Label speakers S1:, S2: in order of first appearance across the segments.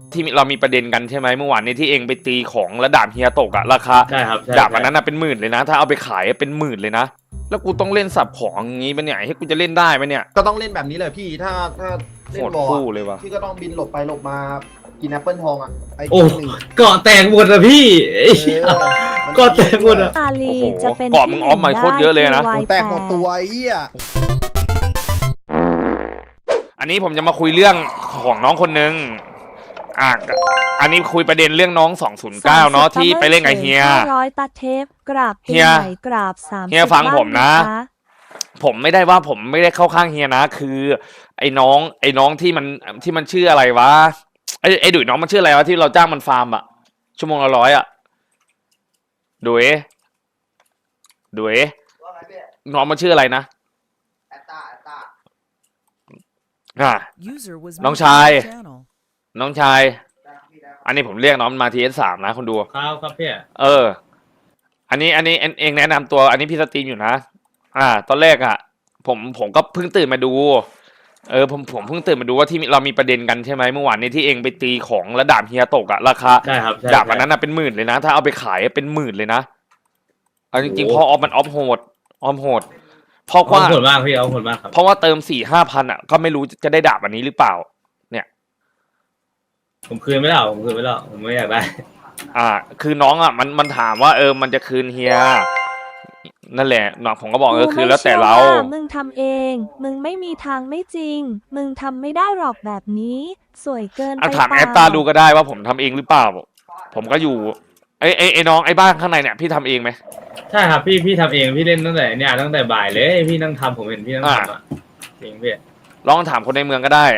S1: ที่เรามีประเด็นกันใช่ไหมเมื่อวานนี้ที่เองไปตีของแล้วดาบเฮียตกอะราคา
S2: ใช่ครับใช่
S1: ดาบอันนั้นน่ะเป็นหมื่นเลยนะ ถ้าเอาไปขายเป็นหมื่นเลยนะแล้วกูต้องเล่นสับของอย่างงี้ปะเนี่ยให้กูจะเล่นได้ปะเนี่ย
S3: ก็ต้องเล่นแบบนี้เลยพี่ถ้าเล่
S1: โห
S3: น
S1: ด
S3: บอล
S1: คู่เลยวะ
S3: พี่ก็ต้องบินหลบไปหลบมากินแอปเปิลทองอ่ะไอ้
S2: โอ้
S3: หนึ่ง
S2: เกาะแตกหมดอะพี่ไอ้เหี้ย
S3: มัน
S2: ก็เต็มหมดอะ
S4: อาลี
S1: โอ้โห
S4: จะเป็น
S1: เกาะมึงออฟมาโคตรเยอะเลยนะ
S3: โอ้แตกหมดตัวไอ้เหี้ย
S1: อันนี้ผมจะมาคุยเรื่องของน้องคนนึงอันนี้คุยประเด็นเรื่องน้อง209เนาะที่ไปเล่นกับเฮีย
S4: ร้อยตัดเทปกราบ
S1: เฮีย
S4: ไหนกราบ30
S1: เฮียฟังผมนะ
S4: บ้า
S1: ผมไม่ได้ว่าผมไม่ได้เข้าข้างเฮียนะ คือ ไอ้น้องที่มันชื่ออะไรวะไอ้ดุยน้องมันชื่ออะไรวะที่เราจ้างมันฟาร์มอะชั่วโมงละ100อะดุยน้องมันชื่ออะไรนะน้องชาย น้องชาย อันนี้ผมเรียกน้องมันมาTS3นะคนดู
S2: ครับพี่
S1: อันนี้เองแนะนำตัว อันนี้พี่สตรีมอยู่นะ ตอนแรกอ่ะ ผมก็เพิ่งตื่นมาดู ผมเพิ่งตื่นมาดูว่าที่เรามีประเด็นกันใช่ไหมเมื่อวานนี้ที่เองไปตีของแล้วดาบเฮียตกอะราคา
S2: ใช่ครับใช่
S1: ดาบอันนั้นน่ะเป็นหมื่นเลยนะ ถ้าเอาไปขายเป็นหมื่นเลยนะเอาจริงๆ
S2: โอ้
S1: พอออฟมันออฟโหดเพราะ
S2: เอา
S1: ว่า
S2: ผลมากพี่เอาผลมากครับ
S1: เพราะว่าเติม4-5 พันอ่ะก็ไม่รู้จะได้ดาบอันนี้หรือเปล่า
S2: ผมคืนไม่ได้หรอกผมไม่อยากได้
S1: คือน้องอ่ะมันถามว่ามันจะคืนเฮียนั่นแหละน้องผมก็บอกคือแล้วแต่เรา
S4: กูไม่ชื่อว่ามึงทำเอง มึงไม่มีทางไม่จริง มึงทำไม่ได้หรอกแบบนี้ สวยเกินไป
S1: ถาม
S4: เป
S1: แอ
S4: ล่
S1: ปตาดูก็ได้ว่าผมทำเองหรือเปล่า ผมก็อยู่ไอ้น้องไอ้บ้านข้างในเนี่ยพี่ทำเองไหม
S2: ใช่ครับพี่ทำเองพี่เล่นตั้งแต่เนี่ยตั้งแต่บ่ายเลยพี่นั่งทำผมเห็นพี่นั่งทำอะจริงพี่
S1: ลองถามคนในเมืองก็ได้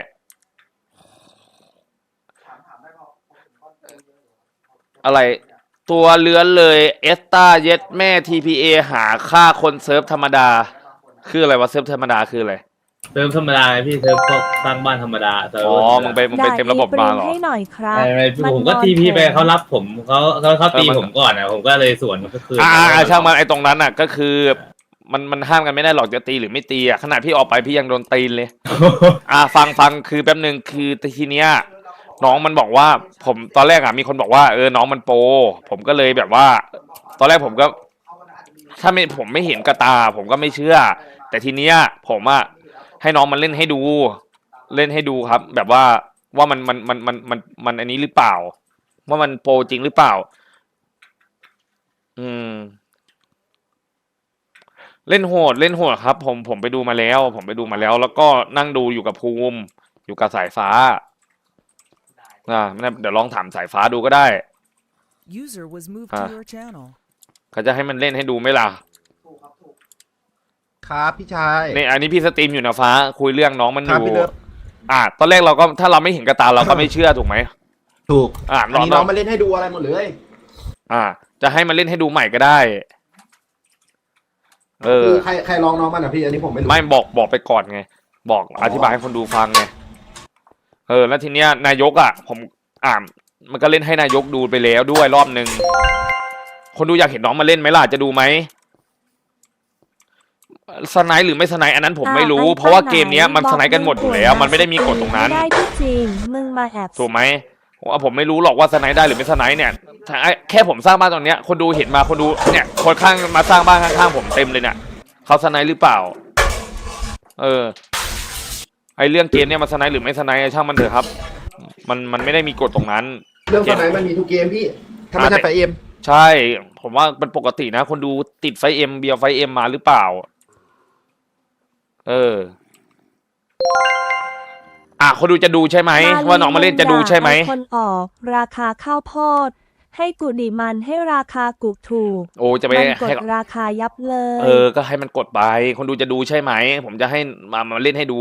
S1: อะไรตัวเลื้อนเลยเอสตาเย็ดแม่ TPA หาค่าคนเซิร์ฟธรรมดา คืออะไรวะเซิร์ฟธรรมดาคืออะไร
S2: เติมธรรมดาไงพี่เติมพวกสร้างบ้านธรรมดาเติม
S1: มึงไปเต็มระบบมาเหรอ
S4: ให้หน่อยครับ
S2: ไม่ผมก็ทีพีไปเขารับผมเขาตีผมก่อนนะผมก็เลยสวนก็คือ
S1: ช่างมันไอ้ตรงนั้นอ่ะก็คือมันห้ามกันไม่ได้หรอกจะตีหรือไม่ตีอ่ะขนาดพี่ออกไปพี่ยังโดนตีนเลย ฟังคือแป๊บนึงคือทีเนี้ยน้องมันบอกว่าผมตอนแรกอ่ะมีคนบอกว่าน้องมันโปรผมก็เลยแบบว่า ตอนแรกผมก็ ถ้าผมไม่เห็นกระตา ผมก็ไม่เชื่อ แต่ทีเนี้ยผมอ่ะให้น้องมันเล่นให้ดูครับ แบบว่ามันอันนี้หรือเปล่า ว่ามันโปรจริงหรือเปล่า เล่นโหดครับ ผมไปดูมาแล้ว แล้วก็นั่งดูอยู่กับภูมิอยู่กับสายฟ้าเดี๋ยวลองถามสายฟ้าดูก็ได้เขาจะให้มันเล่นให้ดูไหมล่ะ
S3: ครับพี่ชาย
S1: นี่อันนี้พี่สตรีมอยู่นะฟ้า คุยเรื่องน้องมันอ
S3: ครับ
S1: ยู่
S3: พี่เลิฟ
S1: ตอนแรกเราก็ถ้าเราไม่เห็นกระตาเราก็ไม่เชื่อถูกไหม
S3: ถูก
S1: อั
S3: อันนี้น้องมาเล่นให้ดูอะไรหมดเลย
S1: จะให้มันเล่นให้ดูใหม่ก็ได้
S3: คือใครลองน้องมันอ่ะพี่อันนี้ผมไม่รู้
S1: ไม่บอกไปก่อนไง บอกอธิบายให้คนดูฟังไงแล้วทีเนี้ยนายกผมมันก็เล่นให้นายกดูไปแล้วด้วยรอบนึงคนดูอยากเห็นน้องมาเล่นไหมล่ะจะดูไหมสไนด์หรือไม่สไนด์อันนั้นผมไม่รู้ เพราะว่าเกมเนี้ยมันสไนด์กันหมดอยู่แล้ว มันไม่ได้มีกฎตรงนั้น
S4: ได้ที่จริง มึงมาแอบ
S1: ถูกไหมผมไม่รู้หรอกว่าสไนด์ได้หรือไม่สไนด์เนี่ยแค่ผมสร้างบ้านตรงเนี้ยคนดูเห็นมาคนดูเนี่ยคนข้างมาสร้างบ้านข้างๆผมเต็มเลยเนี่ยเขาสไนด์หรือเปล่าไอเรื่องเกมเนี่ยมันสไนด์หรือไม่สไนด์ช่างมันเถอะครับ มันไม่ได้มีกฎตรงนั้น
S3: เรื่องสไนมันมีทุกเกมพี่ถ้าไม่ใช่ไฟเอ็ม
S1: ใช่ ผมว่าเป็นปกตินะคนดูติดไฟเอ็มเบียร์ไฟเอ็มมาหรือเปล่าคนดูจะดูใช่ไหมว่าน้องมาเล่นจะดูใช่ไหม
S4: คนออกราคาข้าวโพดให้กูดิมันให้ราคากูถูก
S1: โอ้จะไป
S4: มันก
S1: ให้
S4: ดราคายับเลย
S1: ก็ให้มันกดไปคนดูจะดูใช่ไหมผมจะให้มาเล่นให้ดู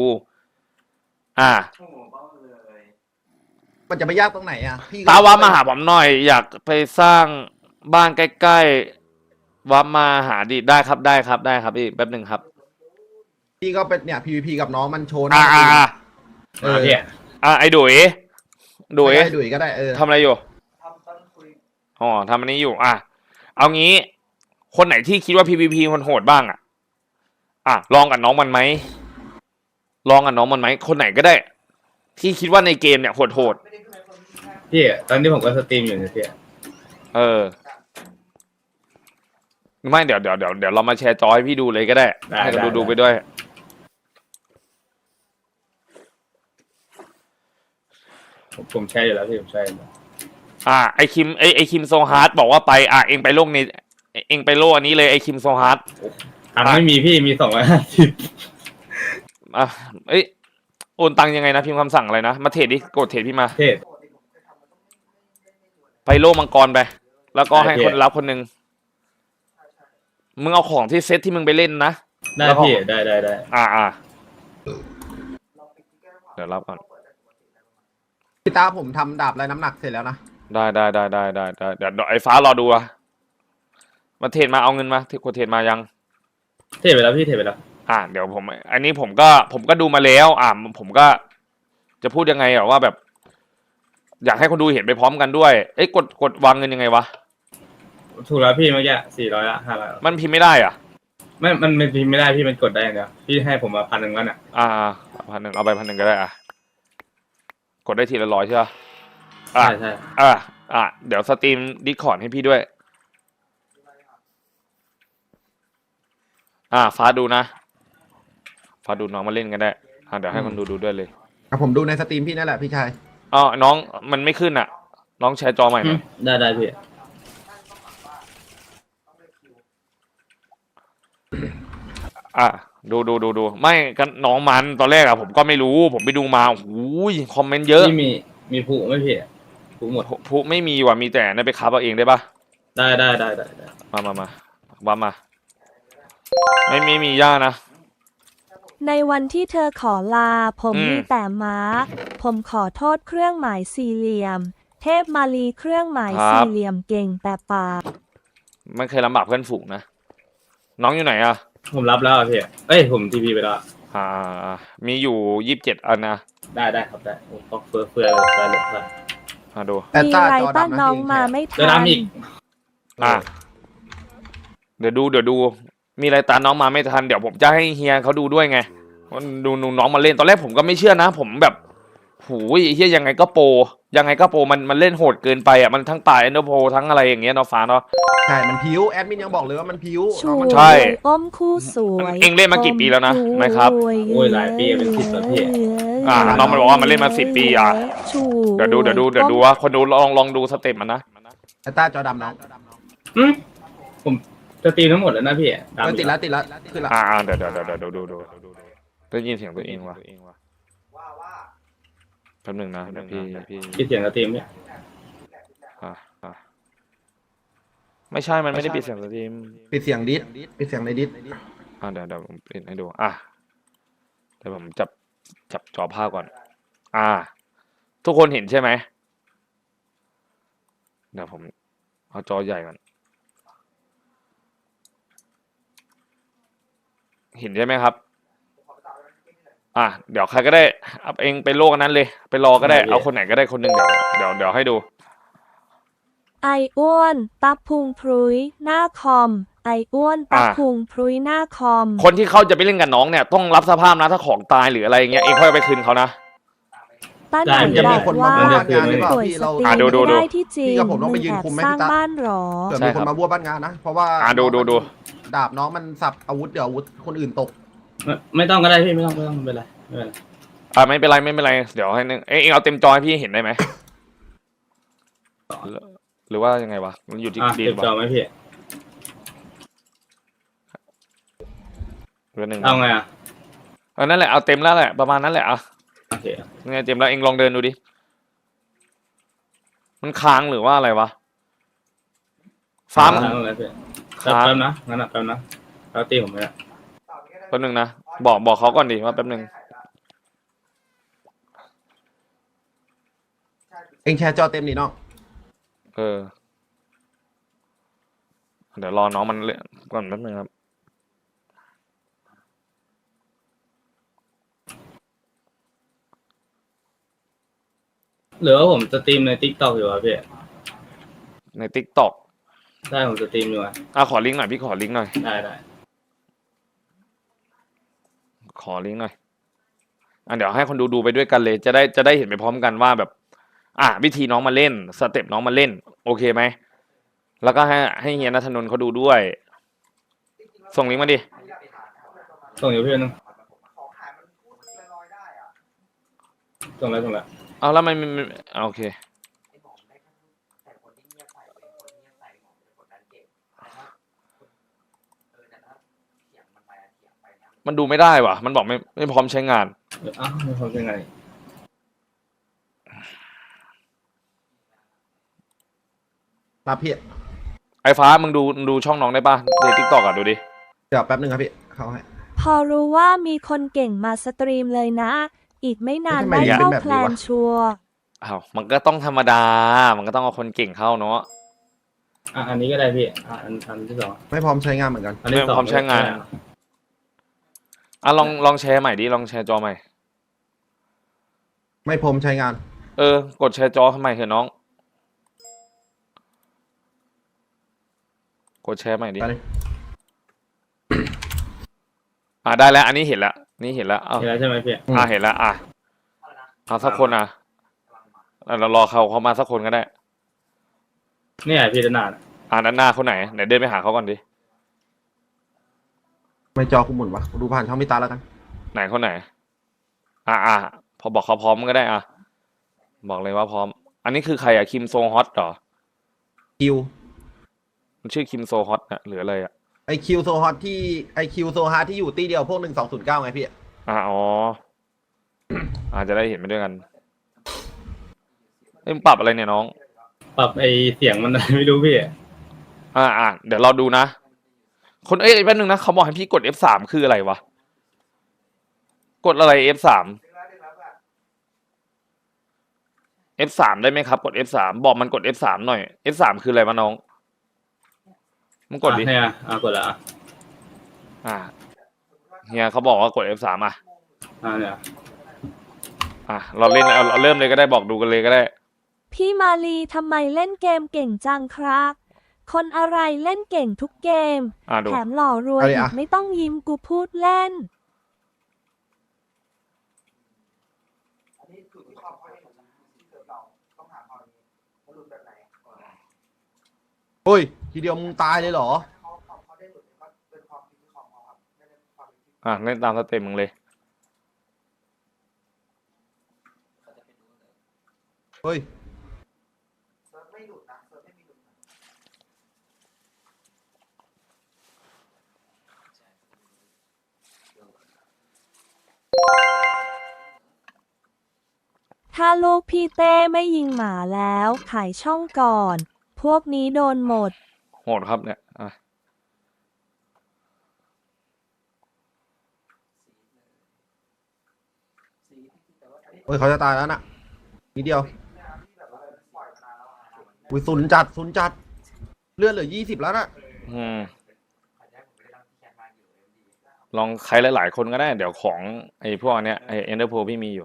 S3: มันจะไม่ยากตรงไหนอ่ะพี่
S1: ตาวามาหาผมหน่อย อยากไปสร้างบ้านใกล้ๆวามาหาดิได้ครับพี่แป๊บหนึ่งครับ
S3: พี่ก็เป็นเนี่ย PVP กับน้องมันโชว์
S2: พี่
S1: ไอ้ดุย
S3: ดุยก็ได้
S1: ทำอะไรอยู่ทำอันนี้อยู่เอางี้คนไหนที่คิดว่า PVP มันโหดบ้างลองกับน้องมันไหมคนไหนก็ได้ ที่คิดว่าในเกมเนี่ยโหด
S2: พี่ตอนนี้ผมก็สตรีมอยู่นะพี่
S1: เออไม่เดี๋ยวเรามาแชร์จอให้พี่ดูเลยก็ได้ให้เขาดูไปด้วย
S2: ผมแชร์อยู่แล้วพี่ผมแชร์อยู่แล้ว
S1: ไอคิมไอคิมโซฮาร์ดบอกว่าไปเองไปโลกนี้เองไปโลกอันนี้เลยไอคิมโซฮาร์ด
S2: ตังค์ไม่มีพี่มี250
S1: เอ้ยโอนตังยังไงนะพิมพ์คำสั่งอะไรนะมาเทรดดิกดเทรดพี่มา
S2: เทศ
S1: ไปโลกมังกรไปแล้วก็ให้คนรับคนหนึ่งมึงเอาของที่เซตที่มึงไปเล่นนะ
S2: ได้พี่ได้
S1: เดี๋ยวรับก่อน
S3: พี่ตาผมทำดาบไรน้ำหนักเสร็จแล้วนะ
S1: ได้เดี๋ยวไอ้ฟ้ารอดูอะมาเทรดมาเอาเงินมากดเทรดมายัง
S2: เทศไปแล้วพี่เทศไปแล้ว
S1: เดี๋ยวผมอันนี้ผมก็ดูมาแล้วผมก็จะพูดยังไงว่าแบบ อยากให้คนดูเห็นไปพร้อมกันด้วยเอ้ยกดวางเงินยังไงวะ
S2: ถูกแล้วพี่เมื่อกี้400ละ500
S1: มันพิมพ์ไม่ได้อ่ะ
S2: มันพิมพ์ไม่ได้พี่มันกดได้อย่างเดียวพี่ให้ผมมา1,000แล้วน่ะ
S1: 1,000เอาไป1,000ก็ได้กดได้ทีละ100ใช่ปะ
S2: ใช่
S1: เดี๋ยวสตรีมดิสคอร์ดให้พี่ด้วยฟ้าดูนะฟ้าดูน้องมาเล่นกันได้เดี๋ยวให้คนดูด้วยเลย
S3: ผมดูในสตรีมพี่นั่นแหละพี่ชาย
S1: น้องมันไม่ขึ้นอ่ะน้องแชร์จอใหม่หน่อย
S2: ได้พี่
S1: ดูไม่กันน้องมันตอนแรกผมก็ไม่รู้ผมไปดูมาโอ้ยคอมเมนต์เยอะ
S2: พี่มีผูไม่พี่ผูหมด
S1: ผูไม่มีว่ะมีแต่นั่นไปคับเอาเองได้ปะ
S2: ได้
S1: มาวับมาไม่มีย่านะ
S4: ในวันที่เธอขอลาผมมีแต่ม้าผมขอโทษเครื่องหมายสี่เหลี่ยม เทพมาลีเครื่องหมายสี่เหลี่ยมเก่งแต่ปาก
S1: ไม่เคยลำบากเพื่อนฝูงนะน้องอยู่ไหนอ่ะ
S2: ผมรับแล้วพี่ผมทีพีไปแล้ว
S1: มีอยู่27อันนะ
S2: ได้ครับได้ผมก็เฟื่อเลย
S1: ดู
S4: มีไรต้านน้องมาไม่ทั
S2: จะ
S4: น
S2: ทำอีก
S1: เดี๋ยวดูมีอะไรตามน้องมาไม่ทันเดี๋ยวผมจะให้เฮียเขาดูด้วยไงดูน้องมาเล่นตอนแรกผมก็ไม่เชื่อนะผมแบบหูยเฮียยังไงก็โปมันเล่นโหดเกินไปมันทั้งป่าเอนโดโพทั้งอะไรอย่างเงี้ยเนาะฟ้าเนาะ
S3: ใช่มันพิ้วแอดมินยังบอกเลยว่ามันพิ้ว
S4: ช่วย
S1: ใช่
S4: อ้อมคู่สวย
S1: เอ็งเล่นมากี่ปีแล้วนะไหมครับ
S2: โอ้ยหลายปีเป็น10แล้วพี่
S1: น้องมันบอกว่ามันเล่นมา10 ปีเดี๋ยวดูว่าคนดูลองดูสเต็ปมันนะ
S3: ไอ้ตาจอดำน้อง
S2: ผมจะตีทั้งหมดแล้วนะพี่
S3: ติดแล้วขึ้นละ
S1: เดี๋ยวดูได้ยินเสียงตัวเองวะแป๊บนึงนะพี่
S2: คิดเสียงกระตีมเนี่ย
S1: ไม่ใช่มันไม่ได้ปิดเสียงสตรีม
S3: ปิดเสียงดิสปิดเสียงในดิส
S1: เดี๋ยวผมปิดให้ดูเดี๋ยวผมจับจอภาพก่อนทุกคนเห็นใช่ไหมเดี๋ยวผมเอาจอใหญ่ก่อนเห็นใช่ไหมครับเดี๋ยวใครก็ได้เอาเองไปโลกนั้นเลยไปรอก็ได้เอาคนไหนก็ได้คนหนึ่งเดี๋ยวให้ดู
S4: ไออ้วนตับพุงพรุยหน้าคอมไออ้วนตับพุงพรุยหน้าคอม
S1: คนที่เขาจะไปเล่นกับน้องเนี่ยต้องรับสภาพนะถ้าของตายหรืออะไรอย่างเงี้ยเองค่อยเอาไปคืนเขานะ
S4: ป้าหน่อยบอกว่าป่วยสติไม่ได้ที่จริงมึงแอบสร้างบ้านหรอ
S3: เกิดมีคนมาบ้วนบ้านงานนะเพราะว่า
S1: ดู
S3: ดาบน้องมันสับอาวุธเดี๋ยวอาวุธคนอื่นตก
S2: ไม่ต้องก็ได้พี่ไม่ต้องเป็นไร
S1: ไม่เป็นไรเดี๋ยวให้นึงเองเอาเต็มจอให้พี่เห็นได้ไหมหรือว่ายังไงวะมันอยู่ที่ดี
S2: เต็มจอไหมพี่
S1: เรื่องหนึ่ง
S2: เอาไง
S1: นั่นแหละเอาเต็มแล้วแหละประมาณนั้นแหละ
S2: โอเค
S1: ไงเต็มแล้วเองลองเดินดูดิมันค้างหรือว่าอะไรวะฟ้า
S2: แป๊บนะงั้นแป๊บนะแล้วตีผมไปละ
S1: แป๊บนึงนะบอกเขาก่อนดิว่าแป๊บนึง
S3: เองแชร์จอเต็มนี่น้อง
S1: เดี๋ยวรอน้องมันเลยก่อนแป๊บนึงครับ
S2: หรือว่าผมสตรีมใน TikTok อยู่พี่
S1: ใน TikTok
S2: ได้ผมสตรีมอยู่
S1: ขอลิงก์หน่อยพี่ขอลิงก์หน่อย
S2: ได้
S1: ขอลิงก์หน่อยเดี๋ยวให้คนดูไปด้วยกันเลยจะได้เห็นไปพร้อมกันว่าแบบวิธีน้องมาเล่นสเต็ปน้องมาเล่น โอเคไหมแล้วก็ให้เฮียณัฐนนท์เขาดูด้วย ส่งลิงก์มาดิ
S2: ส่งอยู่พี่นึงส่งแล้ว
S1: เอาแล้วมันโอเคมันดูไม่ได้ว่ะมันบอกไม่พร้อมใช้งาน
S2: อ้าวไม่พอเป็นไง
S3: รับพี่
S1: ไอ้ฟ้ามึงดูช่องน้องได้ป่ะในทิกตอกดูดิ
S3: เดี๋ยวแป๊บนึงครับพี่เข้าให้
S4: พอรู้ว่ามีคนเก่งมาสตรีมเลยนะ อีกไม่นาน
S3: ทำไม
S4: ได้เข้า
S3: เป็นแบบนี้
S4: แคลน
S3: วะ
S4: ชัวร์
S1: อ้าวมันก็ต้องธรรมดา มันก็ต้องเอาคนเก่งเข้าเนาะ
S2: อันนี้ก็ได้พี่อันที่สอง
S3: ไม่พร้อมใช้งานเหมือนกัน
S2: อันที่สอง
S1: ไม่พร้อมใช้งาน ลองแชร์ใหม่ดิลองแชร์จอใหม่
S3: ไม่พร้อมใช้งาน
S1: กดแชร์จอทำไมเถอะน้อง กดแชร์ใหม่ดิ
S3: ไปเลย
S1: ได้แล้ว อันนี้เห็นแล้วนี่เห็นแล้วเอา
S2: เห็นแล้วใช่ไหมพี่
S1: เห็นแล้วเอาสักคนเรารอเขามาสักคนก็ได้
S2: เนี่ยพี่ด้านหน้า
S1: ด้านหน้าเขาไหนเดี๋ยวเดินไปหาเขาก่อนดิ
S3: ไม่จอกูหมุนวะดูผ่านช่องพี่ตาแล้วกัน
S1: ไหนคนไหนพอบอกเขาพร้อมก็ได้บอกเลยว่าพร้อม อันนี้คือใครคิมโซฮอตเหรอ
S3: คิว
S1: มันชื่อคิมโซฮอตหรืออะไร
S3: ไอคิวโซฮอตที่ไอคิวโซฮาร์ที่อยู่ตีเดียวพวก1209ไงพี่
S1: จะได้เห็นไปด้วยกันมึงปรับอะไรเนี่ยน้อง
S2: ปรับไอเสียงมัน ไม่รู้พี่
S1: เดี๋ยวเราดูนะคนแป๊บนึงนะเขาบอกให้พี่กด F3 คืออะไรวะกดอะไร F3 F3 ได้ไหมครับกด F3 บอกมันกด F3 หน่อย F3 คืออะไรวะน้องมึงกดดิ
S2: เนี่ยกดละ
S1: เฮียเขาบอกว่ากด F3
S2: เนี่ย
S1: เราเล่นเราเริ่มเลยก็ได้บอกดูกันเลยก็ได้
S4: พี่มาลีทำไมเล่นเกมเก่งจังครับ คนอะไรเล่นเก่งทุกเกม
S1: ดู
S4: แถมหล่อรวย
S3: เอาดิ
S4: อีกไม่ต้องยิ้มกูพูดเล่น
S3: โอ้ยทีเดียวมึงตายเลยเหรอ
S1: เล่นตามสเต็ปมึงเลย
S3: เฮ้ย
S4: ถ้าลูกพี่เต้ไม่ยิงหมาแล้วขายช่องก่อน พวกนี้โดนหมด
S1: โหดครับเนี่ย
S3: เฮ้ยเขาจะตายแล้วน่ะนิดเดียวอุ้ยศูนย์จัดเลือดเหลือ20แล้วน่ะ
S1: ลองใครหลายๆคนก็ได้เดี๋ยวของไอ้พวกเนี้ยไอ้เอ็นเดอร์โพพี่มีอยู่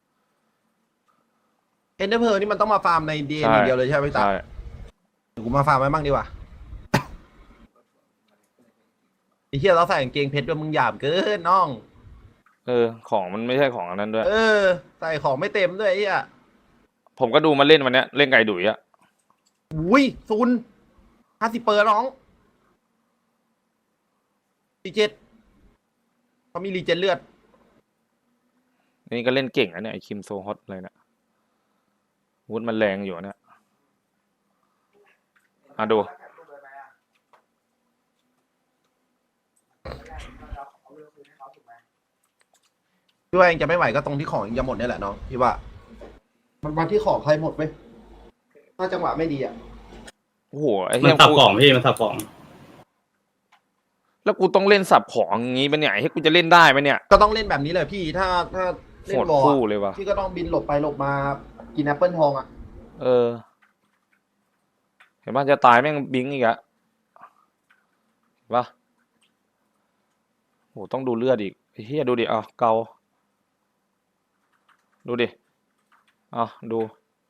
S3: เอ็นเดอร์เพอร์นี่มันต้องมาฟาร์มในดีเอ็นเดียวเลยใช่ไหมพี่ตาเดี๋ยวกูมาฟาร์มไว้บ้างดีกว่าไอ้เหี้ยเราใส่กางเกงเพชรด้วยมึงหยาบเกินน้อง
S1: ของมันไม่ใช่ของอันนั้นด้วย
S3: ใส่ของไม่เต็มด้วยไอ้เหี้ย
S1: ผมก็ดูมาเล่นวันเนี้ยเล่นไก่ดุย
S3: อุ้ยศูนย์50เปอร์น้องรีเจ็ตเขามีรีเจ็ตเลือด
S1: นี่ก็เล่นเก่งเนี่ยไอคิมโซฮอตเลยเนี่ยวุฒิมันแรงอยู่เนี่ยดู
S3: พี่ว่าเองจะไม่ไหวก็ตรงที่ของเองจะหมดนี่แหละน้องพี่ว่า มันมาที่ของใครหมดไหมถ้าจังหวะไม่ดีอ่ะ
S1: โอ้โหไอ้
S2: มั
S1: เหี้
S2: น
S1: ย
S2: สับของพี่มันสับของ
S1: แล้วกูต้องเล่นสับของอย่างงี้ปะเนี่ยให้กูจะเล่นได้ไหมเนี่ย
S3: ก็ต้องเล่นแบบนี้เลยพี่ถ้าเล่
S1: โห
S3: น
S1: ด
S3: วอล
S1: คู่เลยวะ
S3: พี่ก็ต้องบินหลบไปหลบมากินแอปเปิลทองอ่ะ
S1: เห็นป่ะจะตายแม่งบิงอีกอะเห็นป่ะโหต้องดูเลือดอีกไอ้เหี้ยดูดิเกาดูดิดู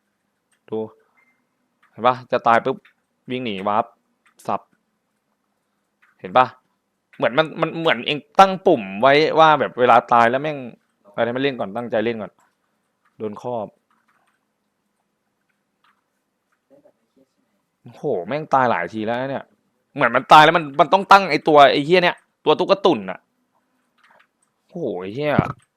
S1: เห็นป่ะจะตายปุ๊บวิ่งหนีวาร์ปสับเห็นป่ะเหมือนมันเหมือนเองตั้งปุ่มไว้ว่าแบบเวลาตายแล้วแม่งอะไรไม่เล่นก่อนตั้งใจเล่นก่อนโดนครอบโอ้โหแม่งตายหลายทีแล้วเนี่ย เหมือนมันตายแล้วมันต้องตั้งไอ้ตัวไอ้เฮียเนี่ยตัวตุ๊กตุ่นอะโอ้โหไอ้เฮีย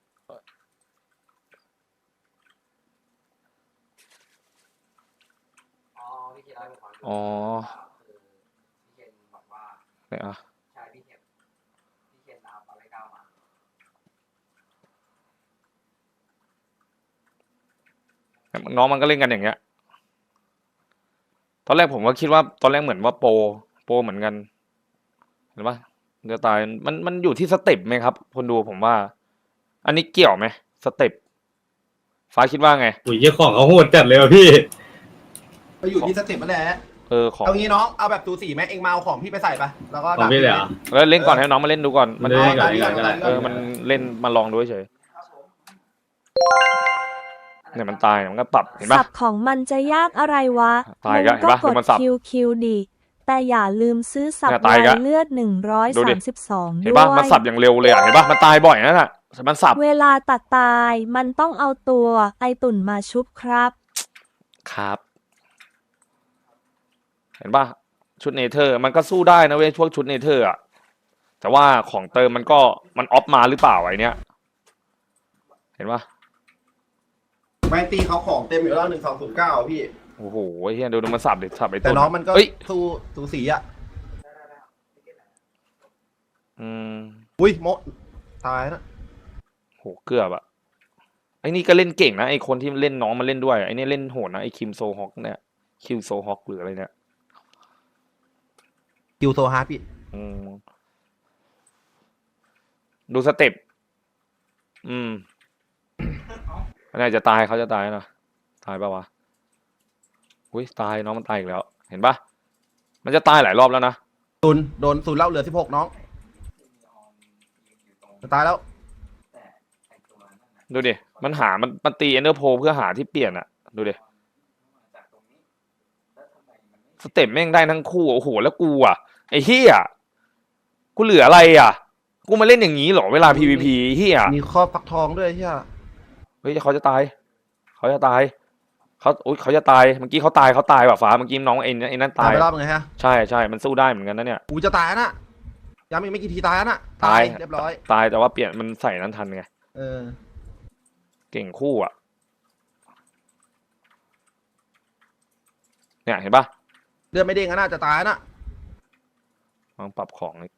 S5: อ๋อพี่เคนเล่าให้ผมฟัง
S1: อ๋อ
S5: คือพี่เคนบอกว่า
S1: เนี่ยอ่ะ
S5: ใช่พี่เคนตามตอนแรกก้าวมา
S1: น้องมันก็เล่นกันอย่างเงี้ย ตอนแรกผมก็คิดว่าตอนแรกเหมือนว่าโปรเหมือนกัน เห็นปะจะตายมันอยู่ที่สเต็ปไหมครับ คนดูผมว่า อันนี้เกี่ยวไหมสเต็ปฟ้าคิดว่าไง
S2: อุ้ยเจ้าของเขาโหดจัดเลยว่ะพี่
S3: ไปอยู่ที่สเต็ปนั่นแหละ
S1: ของ
S3: เอางี้น้องเอาแบบตูสีไหมเองมาเอาของพี่ไปใส่ไปแล้วก็
S2: ของพี่เลยเหรอ
S1: แล้วเล่นก่อนให้น้องมาเล่นดูก่อน มัน
S2: เล่นก่อน
S1: มันเล่นมาลองดูเฉยเนี่ยมันตายมันก็ปรับเห็นปะ
S4: สับของมันจะยากอะไรวะ
S1: ตาย
S4: มึ
S1: อี
S4: ง
S1: กแล้ว
S4: ก็
S1: เห็นปะ
S4: กด
S1: มันสับ
S4: คิวดิแต่อย่าลืมซื้อสับ
S1: เนี่ย
S4: ไว
S1: ตายอีกแล้ว
S4: เลือด
S1: ดูดิ
S4: 132
S1: เห็น
S4: ด้
S1: ปะ
S4: ว
S1: มัน
S4: ย
S1: สับอย่างเร็วเลยอ่ะเห็นปะมันตายบ่อยนั่นแหละมันสับ
S4: เวลาตัดตายมันต้องเอาตัวไอตุ่นมาชุบครับ
S1: ครับ เห็นปะชุดเนเธอร์มันก็สู้ได้นะเว้ยพวกชุดเนเธอร์อ่ะแต่ว่าของเติมมันออฟมาหรือเปล่าไอเนี้ยเห็นปะ
S3: แมนตีเขาของเต็มอยู่แล้ว1209พี่
S1: โอ้โหเฮียดูมันสับดิสับไอ
S3: แต่
S1: ตุ่น
S3: น้องมันก็
S1: เอ้ย
S3: สู้สูสีอ่ะ
S1: อืม
S3: อุ้ยโมตายนะ
S1: โหเกือบอะไอ้นี่ก็เล่นเก่งนะไอ้คนที่เล่นน้องมาเล่นด้วยไอ้นี่เล่นโหดนะไอ้คิมโซฮอกเนี่ยคิวโซฮอกหรืออะไรเนี่ย
S3: คิวโซฮาร์ดพี่
S1: อืมดูสเต็ปอันนี้จะตายเขาจะตายนะตายปะวะอุ้ยตายน้องมันตายอีกแล้ว เห็นปะมันจะตายหลายรอบแล้วนะ
S3: โดนศูนย์เล่าเหลือ16น้องจะตายแล้ว
S1: ดูดิมันหามันตีเอนเดอร์โพเพื่อหาที่เปลี่ยนอะดูดิสเต็ปแม่งได้ทั้งคู่โอ้โหแล้วกูอะไอ้เฮียกูเหลืออะไรอะกูมาเล่นอย่างนี้เหรอเวลา PVP เฮีย
S3: มีข้อฟักทองด้วยใช่ไหม
S1: เฮ้ยเขาจะตายเขาจะตายเขาจะตายเมื่อกี้เขาตายว่ะฟ้าเมื่อกี้น้องไอ้นั่น
S3: ตา
S1: ตาย ย
S3: ไปรอบไงฮะ
S1: ใช่มันสู้ได้เหมือนกันนะเนี่ย
S3: กูจะตายนะย้ำอีกไม่กี่ทีตายนะ
S1: ตาย
S3: เรียบร้อย
S1: ตายแต่ว่าเปลี่ยนมันใส่นั้นทันไง
S3: เออ
S1: เก่งคู่อ่ะเนี่ยเห็นปะ
S3: เลือดไม่เด้งก็น่าจะตายนะ
S1: ลองปรับของนี่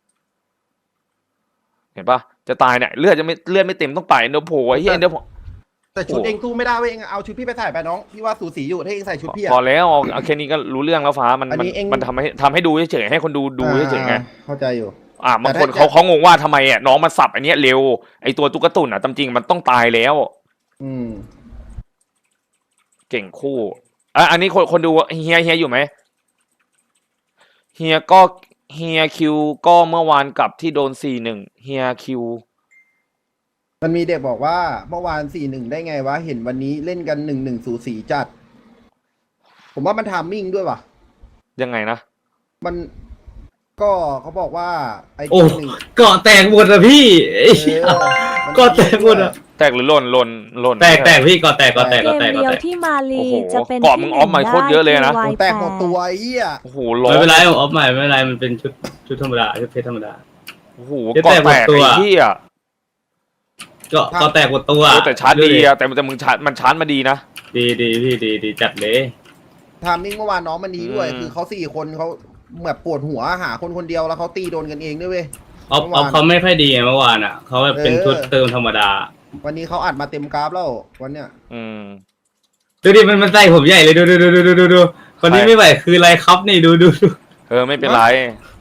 S1: เห็นปะจะตายเนี่ยเลือดไม่เต็มต้องไปเดี๋ยวโผล่ไอ้เหี้ยเดี๋ยว
S3: แต่ชุดเองสู้ไม่ได้เว้ยเองเอาชุดพี่ไปใส่ไปน้องพี่ว่าสูสีอยู่ถ้าเองใส่ชุดพี่
S1: พอ
S3: อะ
S1: แล้วเอาแค่นี้ก็รู้เรื่องแล้วฟ้ามัน
S3: อันนี้เอง
S1: มันทำให้ดูเฉยๆให้คนดูเฉยๆไง
S3: เข้าใจอยู่
S1: บางคน
S3: แต่ถ้า
S1: เขางงว่าทำไมอ่ะน้องมันสับอันเนี้ยเร็วไอตัวตุ๊กตุ่นอ่ะตามจริงมันต้องตายแล้ว
S3: อืม
S1: เก่งคู่อันนี้คนดูเฮียอยู่ไหมเฮียคิวก็เมื่อวานกลับที่โดน4-1เฮียคิว
S3: มันมีเด็กบอกว่าเมื่อวาน4-1ได้ไงวะเห็นวันนี้เล่นกัน1-1สูสีจัด ผมว่ามันทามมิ่งด้วยว่ะ
S1: ยังไงนะ
S3: มันก็เขาบอกว่าไอ้
S2: โอ้
S3: หนึ่ง
S2: เกาะแตกหมดอะพี่ไอ้เหี้ย
S3: มัน
S2: เกาะแตกหมดอะ
S1: แตกหรือหล่น
S2: แตกพี่เกาะแตก
S4: เกมเดียวที่มาลี
S1: โอ้โห
S4: จะเป็น
S1: เกาะมึงออฟมาโคตรเยอะเลยนะ
S4: ที่
S3: โอ้แตกหมดตัวไอ้เหี้ย
S1: โอ้โหร้อ
S2: ไม่
S1: น
S2: เป็นไรผมออฟใหม่ไม่เป็นไรมันเป็นชุดธรรมดาชุดเพชรธรรมดา
S1: โอ้โห
S2: จะ
S1: เกาะ
S2: แตกหม
S1: แต
S2: ด
S1: ก
S2: ตัว
S1: ไอ้เหี้ย
S2: เกาะแตกหมดตัว
S1: แต่ชาร์จดีอะแต่มึงชาร์จมันชาร์จมาดีนะ
S2: ดีพี่ดีจัดเลย
S3: ทามมิ่งเมื่อวานน้องมันดีด้วย
S1: อืม
S3: คือเขา4 คนเขาแบบปวดหัวหาคนเดียวแล้วเขาตีโดนกันเองด้วยเว้ย
S2: ออฟเขาไม่ค่อยดีไงเมื่อวานอ่ะเขาแบบเป็นชุดเติมธรรมดา
S3: วันนี้เขาอัดมาเต็มกราฟแล้ววันเนี้ย
S1: อืม
S2: ดูดิมันใส่ผมใหญ่เลยดูคนนี้
S1: ใช่
S2: ไม่ไหวคืออะไรครับนี่ดู
S1: ไม่เป็นไร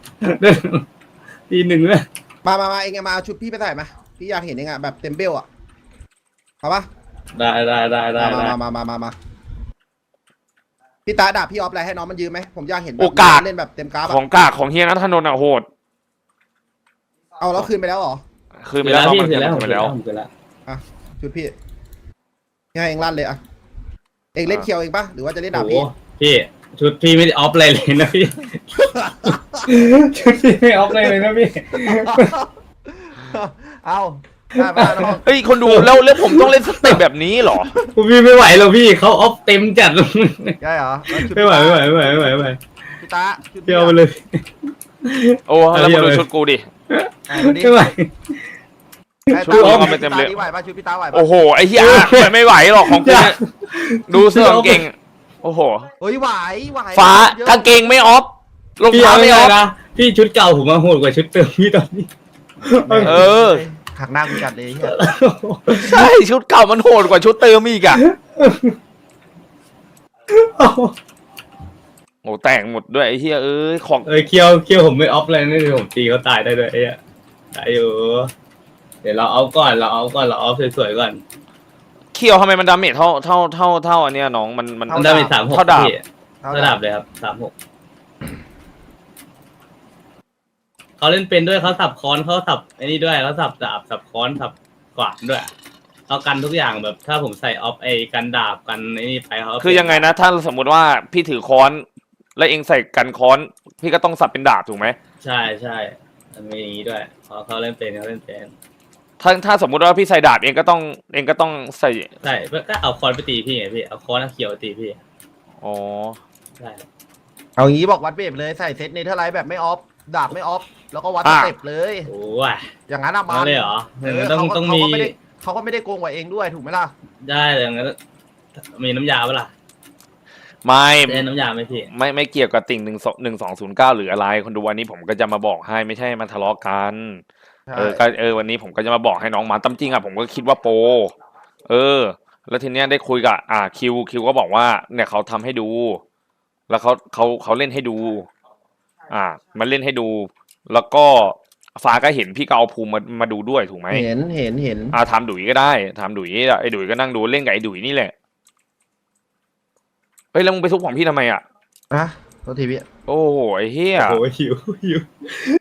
S2: ทีหนึ่งเลย
S3: มาเองมาเอาชุดพี่ไปใส่มาพี่อยากเห็นเองอะแบบเต็มเบลอะเอาปะ
S2: ได้
S3: มาพี่ตาดาบพี่ออฟอะไรให้น้องมันยืมไหมผมอยากเห็นแบบ
S1: โอกาส
S3: เล่นแบบเต็มกราฟ
S1: ของ
S3: อะ
S1: กากของเฮียนัทนนท์อ่ะโหด
S3: เอาแล้วคืนไปแล้วเหรอ
S1: คือไม่ได้น้อง
S2: พี่
S1: มัน
S2: เสร็จแล้ว
S1: คืนไปแล้ว
S2: ผมเสร็จแล้ว
S3: ชุดพี่ให้เองลั่นเลยอะเองเล่นเคียวเองปะหรือว่าจะเล่นดาบ
S2: โอ้
S3: พี่
S2: พี่ชุดพี่ไม่ได้ออฟอะไรเลยนะพี่ ชุดพี่ไม่ออฟอะไรเลยนะพี่
S3: เอาได้ปะน้อง
S1: เฮ้ยคนดูแล้วผมต้องเล่นสเต็ปแบบนี้เหรอ
S2: พี่ไม่ไหวแล้วพี่เขาออฟเต็มจัด
S3: ได้เหรอแล้วชุด
S2: ไม่ไหวไม่ไหวไม่ไหวไม่ไหวไม่ไหว
S3: พี่ตาชุด
S2: พี่เอาไปเลย
S1: โอ้แล้วมาดูชุดกูดิ
S2: ไม่ไหว
S1: ชุดกูเอาไปเต็มเลย
S3: ชุดพี่ตาไหวปะชุดพี่ตาไหวปะ
S1: โอ้โหไอ้เหี้ยไม่ไหวหรอกของกูเนี่ยดูเสื้อกางเกงโอ้โห
S3: เฮ้ยไหว
S1: ฟ้ากางเกงไม่ออฟรอง
S2: พี่
S1: เท้า
S2: เอา
S1: ไม่
S2: ไม่
S1: อ
S2: ได้
S1: อฟ
S2: นะพี่ชุดเก่าผมมาโหดกว่าชุดเติมพี่ตอนนี้
S1: เออ
S3: หักหน้ากูจัดเลยเหี้ย
S1: ใช่ชุดเก่ามันโหดกว่าชุดเติมอีกอ่ะโอ้แต่งหมดด้วยไอ้เหี้ยของ
S2: เคียวผมไม่ออฟเลยนี่ผมตีเขาตายได้ด้วยไอ้อะตายอยู่เดี๋ยวเราเอาก่อนเราเอาสวยๆก่อน
S1: เคียวทำไมมันดาเมจเท่าอันเนี้ยน้องมัน
S2: มันได้เป็น36
S1: เท่าดาบ
S2: พี่ระดับเลยครับ36เขาเล่นเป็นด้วยเขาสับค้อนเขาสับไอ้นี่ด้วยเขาสับดาบสับค้อนสับขวานด้วยเขากันทุกอย่างแบบถ้าผมใส่ออฟไอ้กันดาบกันไอ้นี่ไปเขา
S1: คือยังไงนะถ้าสมมุติว่าพี่ถือค้อนแล้วเองใส่กันค้อน พี่ก็ต้องสับเป็นดาบถูกไหม
S2: ใช่มันมีอย่างนี้ด้วยเขาเล่นเป็นเขาเล่นเป็น
S1: ถ้าสมมุติว่าพี่ใส่ดาบเองก็ต้องใส่
S2: ใช่ก็เอาค้อนไปตีพี่ไงพี่เอาค้อนเขียวตีพี่
S1: อ๋อ
S2: ใช่
S3: เอางี้บอกวัดเบฟเลยใส่เซตเนเธอร์ไลท์แบบไม่ออฟดาบไม่ออฟแล้วก็วัดสเต็ปเลย
S2: โอ้ย
S3: อย่างนั้นอะมั
S2: มาน เลยเหรอต้องมี
S3: เขาก็ไม่ได้โกงกว่าเองด้วยถูกไหมล่ะ
S2: ได้แต่อย่างนั้นมีน้ำยาปะล่ะ
S1: ไม่
S2: ได้น้ำยาไหมพี่
S1: ไม่เกี่ยวกับติ่ง1209หรืออะไรคนดูวันนี้ผมก็จะมาบอกให้ไม่ใช่มาทะเลาะกัน วันนี้ผมก็จะมาบอกให้น้องมาตามจริงอ่ะผมก็คิดว่าโปรแล้วทีเนี้ยได้คุยกับคิวก็บอกว่าเนี่ยเขาทำให้ดู แล้วเขาเล่นให้ดู มันเล่นให้ดู แล้วก็ฟ้าก็เห็นพี่ก็เอาภูมิมาดูด้วยถูกไหม
S3: เห็น
S1: ถามดุยก็ได้ถามดุยไอ้ดุยก็นั่งดูเล่นกับไอ้ดุยนี่แหละเฮ้ยแล้วมึงไปทุบของพี่ทำไมอ่ะ
S3: อะโทษทีพี่
S1: โอ้โหไอ้เหี้ย
S2: โอ้ยหิว